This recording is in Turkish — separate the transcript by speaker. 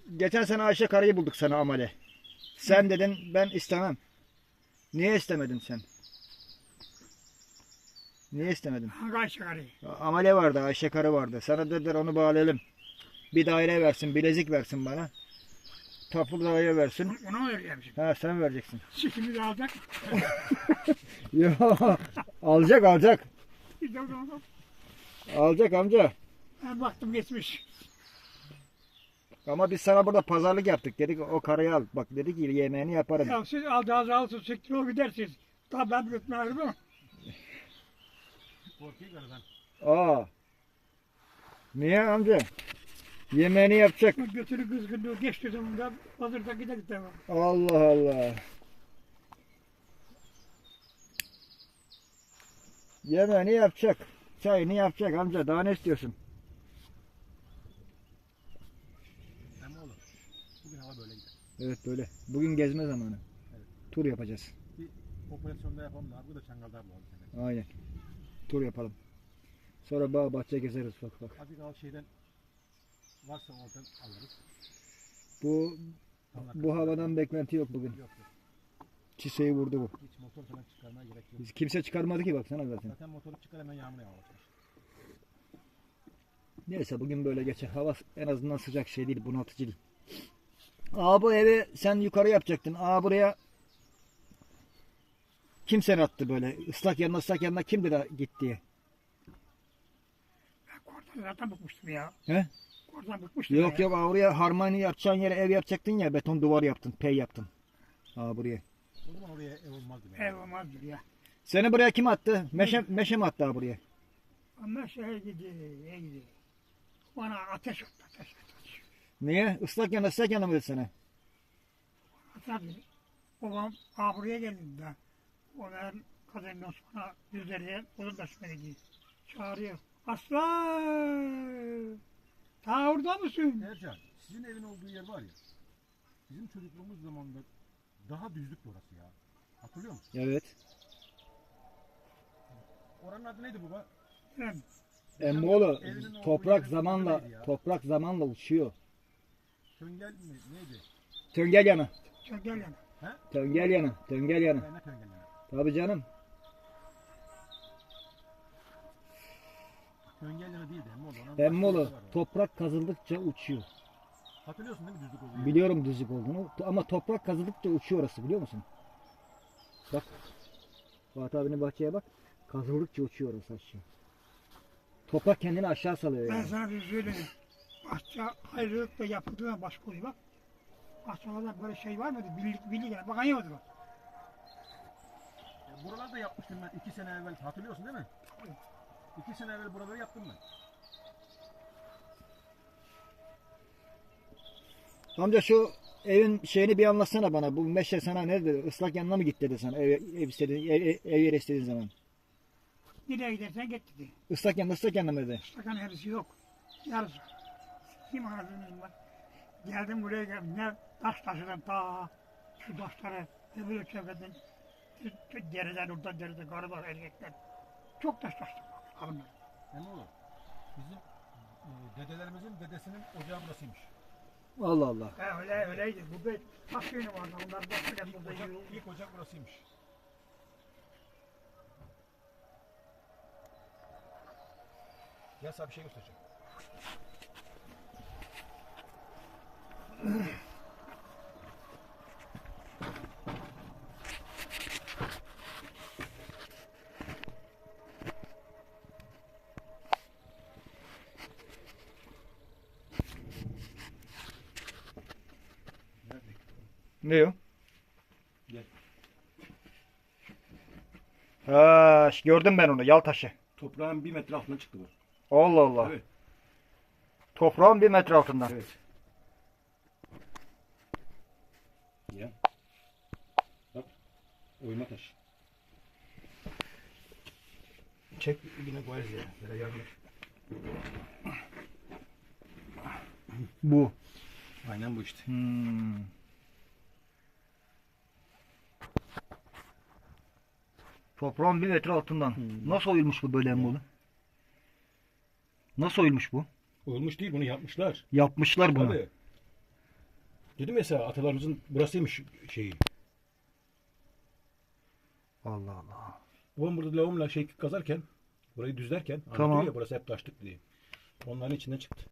Speaker 1: geçen sene Ayşe Kara'yı bulduk sana amele. Sen dedin ben istemem. Niye istemedin sen? Niye istemedin?
Speaker 2: Hangi Ayşe karıyı?
Speaker 1: Amele vardı, Ayşe Karı vardı. Sana dediler onu bağlayalım. Bir daire versin, bilezik versin bana. Tapu daire versin.
Speaker 2: Ona mı vereceğim şimdi?
Speaker 1: Ha sen vereceksin.
Speaker 2: Sikimi de alacak.
Speaker 1: Yo, alacak.
Speaker 2: Bir de o zaman
Speaker 1: Alacak amca.
Speaker 2: ben baktım geçmiş.
Speaker 1: Ama biz sana burada pazarlık yaptık. Dedik o karıyı al. Bak dedi ki yemeğini yaparım.
Speaker 2: Ya siz alacağınızı alsın, siktir o gidersiniz. Tabii ben götürmem ama.
Speaker 3: Korkuyor karıdan.
Speaker 1: Aa. Niye amca? Yemeğini yapacak.
Speaker 2: Götürü kızgınlığı geçti zamanında hazırda gidelim devam.
Speaker 1: Allah Allah. Yemeğini yapacak. Çayını yapacak amca. Daha ne istiyorsun?
Speaker 3: Ama oğlum. Bugün hava böyle gider.
Speaker 1: Evet böyle. Bugün gezme zamanı.
Speaker 3: Evet.
Speaker 1: Tur yapacağız.
Speaker 3: Bir operasyonda yapalım da abi. Bu da Çangal'da bulalım seni.
Speaker 1: Aynen. Tur yapalım. Sonra bağ bahçe gezeriz bak.
Speaker 3: Azıcık al şeyden varsa oradan alırız.
Speaker 1: Bu havadan beklenti yok bugün.
Speaker 3: Yok.
Speaker 1: Çiseyi vurdu bu.
Speaker 3: Hiç motor falan çıkarmaya gerek yok.
Speaker 1: Biz kimse çıkarmadı ki baksana zaten.
Speaker 3: Zaten motoru çıkar hemen yağmur yağmaya başlar.
Speaker 1: Neyse bugün böyle geçer. Hava en azından sıcak şey değil, bunaltıcı değil. Aa bu evi sen yukarı yapacaktın. Aa buraya kim seni attı böyle? Islak yanına kim dedi git diye?
Speaker 2: Ben kordan zaten bıkmıştım ya.
Speaker 1: He?
Speaker 2: Kordan bıkmıştım
Speaker 1: Yok
Speaker 2: ya.
Speaker 1: yok oraya harmani yapacağın yere ev yapacaktın ya, beton duvar yaptın, pey yaptın. Aa buraya.
Speaker 3: O zaman oraya ev olmazdı.
Speaker 2: Ev olmazdır ya.
Speaker 1: Seni buraya kim attı? Meşe mi attı ha buraya?
Speaker 2: Ama şeye gidiyor. Bana ateş attı. Ateş.
Speaker 1: Niye? Islak yana mı dedi sana?
Speaker 2: Tabii. Babam buraya geldi de. Onların kadının sonra yüzleriye onun da şüpheli gidiyor. Çağırıyor. Aslan! Ta orada mısın?
Speaker 3: Ercan, sizin evin olduğu yer var ya. Bizim çocukluğumuz zamanında daha düzlüktü orası ya. Hatırlıyor musun?
Speaker 1: Evet.
Speaker 3: Oranın adı neydi baba?
Speaker 2: Ben
Speaker 1: Emmoğlu
Speaker 3: Evinin olduğu
Speaker 1: toprak
Speaker 3: yerin
Speaker 1: zamanla
Speaker 3: adı neydi ya?
Speaker 1: uçuyor.
Speaker 3: Töngel mi? Neydi?
Speaker 1: Töngel yana.
Speaker 2: çok gel yani.
Speaker 1: Töngel yana.
Speaker 3: Ben ne töngel yani?
Speaker 1: Tabii canım.
Speaker 3: Töngel yanı değildi Emmoğlu. Onun
Speaker 1: Emmoğlu
Speaker 3: başka bir yeri var
Speaker 1: toprak kazıldıkça uçuyor.
Speaker 3: orada. Hatırlıyorsun değil mi düzlük olduğu yeri?
Speaker 1: Biliyorum düzlük olduğunu ama toprak kazıldıkça uçuyor orası, biliyor musun? Bak. Fatih abinin bahçeye bak. Kazıldıkça uçuyor orası aşağı. Toprak kendini aşağı salıyor
Speaker 2: Ben
Speaker 1: yani.
Speaker 2: sana bir söyleyeyim. Bahçe ayrılıkla yapıldığına başka oluyor bak. Bahçelerde böyle şey var mıydı? Birlik yani. Bakan yoktu bak.
Speaker 3: Buralarda yapmıştım ben 2 sene evvel. Hatırlıyorsun değil mi?
Speaker 2: Evet.
Speaker 3: 2 sene evvel buraları yaptım ben.
Speaker 1: Amca şu evin şeyini bir anlatsana bana. Bu meşe sana ne dedi? Islak yanına mı git dedi sana ev istediğin, ev yeri istediğin zaman.
Speaker 2: Nereye gidersen git dedi.
Speaker 1: Islak yanına mı dedi?
Speaker 2: Sakan hepsi yok. Yarısı. Kim aradığınız var? Geldim buraya geldim. Ne taş taşıdım ta şu taşları öbür çevreden dereden oradan dereden karılar erkekler. Çok taş taştım kadınlar.
Speaker 3: Emmoğlu. Bizim dedelerimizin dedesinin ocağı burasıymış.
Speaker 1: Allah Allah.
Speaker 2: Öyleydi. Bu bir taş yönü vardı. Onlar da böyle burada
Speaker 3: Ocak,
Speaker 2: yürüyor.
Speaker 3: ilk ocak burasıymış. Gel sana bir şey göstereceğim.
Speaker 1: Ne o?
Speaker 3: Gel.
Speaker 1: Ha, gördüm ben onu. Yal taşı.
Speaker 3: Toprağın 1 metre altına çıktı bu.
Speaker 1: Allah Allah.
Speaker 3: Evet.
Speaker 1: Toprağın 1 metre altından.
Speaker 3: Evet. Ya. Bak. Oyma taş. Çek yine koyarız ya. Böyle yardım et.
Speaker 1: Bu.
Speaker 3: Aynen bu işte.
Speaker 1: Toprağın 1 metre altından. Nasıl oyulmuş bu böyle Emmoğlu? Nasıl oyulmuş bu?
Speaker 3: Olmuş değil, bunu yapmışlar.
Speaker 1: Yapmışlar bunu.
Speaker 3: Tabii. Dedim mesela atalarımızın burasıymış şeyi.
Speaker 1: Allah Allah.
Speaker 3: Babam burada lavumla şey kazarken, burayı düzlerken
Speaker 1: Tamam.
Speaker 3: anlatıyor ya burası hep taşlık diye. Onların içinden çıktı.